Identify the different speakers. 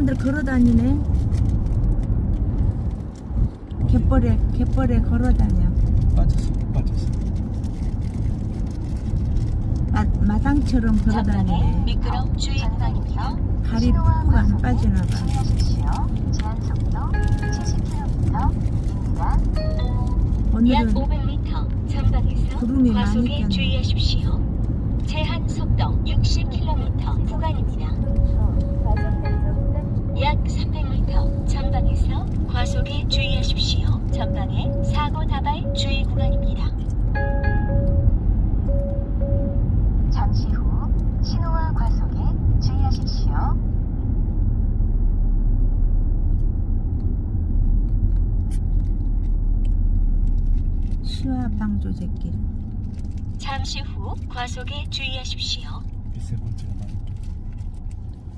Speaker 1: 사람들 걸어 다니네. 갯벌에 걸어 다녀.
Speaker 2: 빠졌어.
Speaker 1: 마당처럼 걸어
Speaker 3: 전방에
Speaker 1: 다니네.
Speaker 3: 미끄럼 주의 구간입니다.
Speaker 1: 발이 푹 안 빠지나 봐.
Speaker 3: 주의하십시오. 제한 속도 70km입니다.
Speaker 1: 오늘은
Speaker 3: 약 500m 전방에서
Speaker 1: 구름이 많이
Speaker 3: 과속에
Speaker 1: 꼈네.
Speaker 3: 주의하십시오. 제한 속도 60km 구간입니다. 약 300m 전방에서 과속에 주의하십시오. 전방에 사고 다발 주의 구간입니다. 잠시 후 신호와 과속에 주의하십시오.
Speaker 1: 시와 방조제길.
Speaker 3: 잠시 후 과속에 주의하십시오.
Speaker 2: 미세먼지가 많이